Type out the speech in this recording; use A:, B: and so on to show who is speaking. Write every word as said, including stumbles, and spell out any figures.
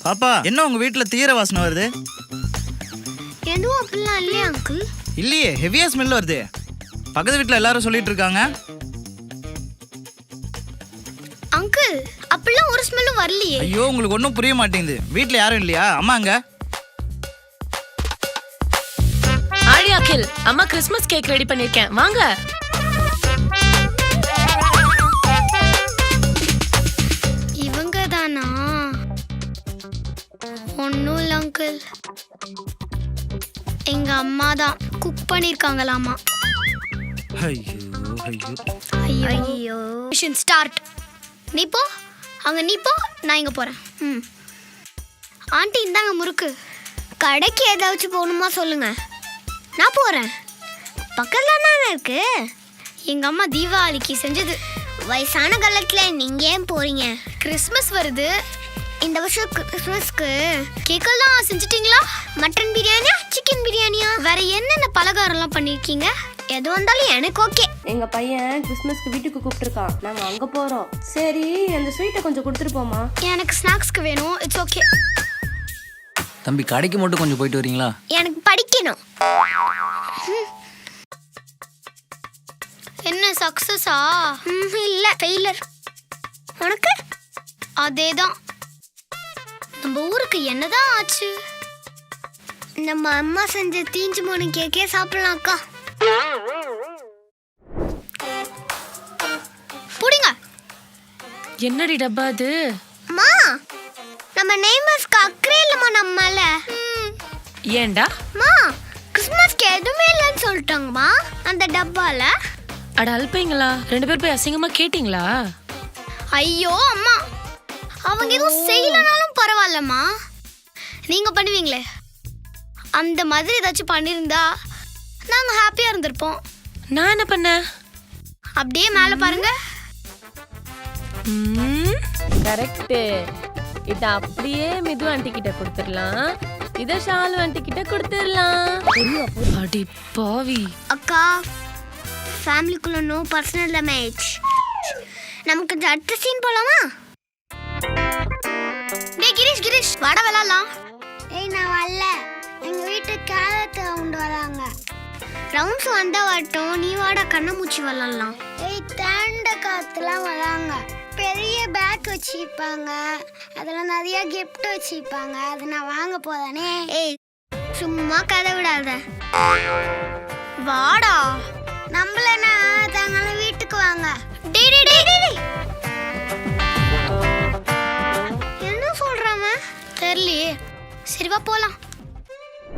A: பாப்பா, என்ன உங்க வீட்ல தீர வாசனை வருது?
B: எதுவும் அப்படிலாம் இல்லையா அங்கிள்?
A: இல்லையே, ஹெவியா ஸ்மெல் வருது. பக்கத்து வீட்ல எல்லாரும் சொல்லிட்டு இருக்காங்க.
B: அங்கிள், அப்படிலாம் ஒரு ஸ்மெல்லும் வரலையே.
A: ஐயோ, உங்களுக்கு ஒன்றும் புரிய மாட்டேங்குது. வீட்ல யாரும் இல்லையா? அம்மாங்க?
C: ஆழி அகில், அம்மா கிறிஸ்மஸ் கேக் ரெடி பண்ணிருக்கேன், வாங்க.
B: இவங்க தானா? ஒன்னும் இல்ல அங்கிள், எங்க அம்மா தான் குக் பண்ணிருக்காங்களாமா.
A: ஐயோ ஐயோ
B: ஐயோ ஐயோ. Mission start. நீ போ, அங்க நீ போ, நான் இங்க போறேன். ம். ஆண்டி இந்தாங்க முறுக்கு. கடைக்கு ஏதாச்சும் போகணுமா சொல்லுங்க, நான் போறேன். பக்கத்துல தானே இருக்கு. எங்க அம்மா தீபாவளிக்கு செஞ்சது. வயசான காலத்துல நீங்க ஏன் போறீங்க? கிறிஸ்மஸ் வருது. இந்த வருஷம் கிறிஸ்மஸ்க்கு கேக்கல் தான் செஞ்சிட்டீங்களா? மட்டன் பிரியாணியா, சிக்கன் பிரியாணியா, வேற என்னென்ன பலகாரம்லாம் பண்ணிருக்கீங்க? எது வந்தாலும் எனக்கு ஓகே.
D: எங்க பையன் கிறிஸ்மஸ்க்கு வீட்டுக்கு கூப்பிட்டுருக்கான், நாங்க அங்க போறோம். சரி, அந்த ஸ்வீட்டை கொஞ்சம் கொடுத்துட்டு போமா.
B: எனக்கு ஸ்நாக்ஸ்க்கு வேணும். It's okay.
A: தம்பி, கடைக்கு மட்டும் கொஞ்சம் போயிட்டு வரீங்களா?
B: எனக்கு படிக்கணும். என்ன சக்சஸா? இல்ல, ஃபெயிலர். உனக்கு அதேதான். நம்ம ஊருக்கு என்னதான் ஆச்சு? நம்ம அம்மா செஞ்ச தீஞ்சு போன கேக்கே சாப்பிடலாம் அக்கா. புடிங்க.
C: என்னடி டப்பா அது?
B: அம்மா, நம்ம நெய்மர்ஸ்க்கு அக்கறை இல்லம்மா நம்ம மேல.
C: ஏண்டா?
B: அம்மா, கிறிஸ்மஸ்க்கு எதுவுமே இல்லைன்னு சொல்லிட்டாங்கம்மா அந்த டப்பால.
C: அட அல்பைங்களா, ரெண்டு பேர் போய் அசிங்கமா கேட்டீங்களா?
B: ஐயோ அம்மா, அவங்க எதுவும் செய்யலனாலும் பரவாயில்லம்மா, நீங்க பண்ணுவீங்களே அந்த மாதிரி ஏதாச்சும் பண்ணியிருந்தா நாங்க ஹாப்பியா இருந்திருப்போம்.
C: நான் என்ன பண்ணேன்?
B: அப்படியே மேல பாருங்க.
E: கரெக்ட். இத அப்படியே மிது ஆண்டி கிட்ட கொடுத்துடலாம், இத ஷாலு ஆண்டி கிட்ட கொடுத்துடலாம்.
C: அடி பாவி.
B: அக்கா, ஃபேமிலிக்குள்ள நோ பர்சனல் டேமேஜ். நமக்கு இந்த அடுத்த சீன் போலாமா? டேய் கிரீஷ், கிரீஷ் வாடா விளையாடலாம். ஏய் நான் வரல, எங்க வீட்டு கேரட் ரவுண்ட் வராங்க. ரவுண்ட்ஸ் வந்தா வரட்டும், நீ வாடா கண்ணாமூச்சி விளையாடலாம். ஏய் தாண்ட காத்துலாம் வராங்க. பெரிய பேக் வச்சிருப்பாங்க, அதுல நிறைய கிஃப்ட் வச்சிருப்பாங்க, அதை நான் வாங்க போதானே. ஏய் சும்மா கதை விடாத, வாடா. நம்மளனா தாங்கள வீட்டுக்கு வாங்க. டேய் டேய் டேய் டேய், என்ன சொல்றாம தெரியலையே. சரி வா போலாம்.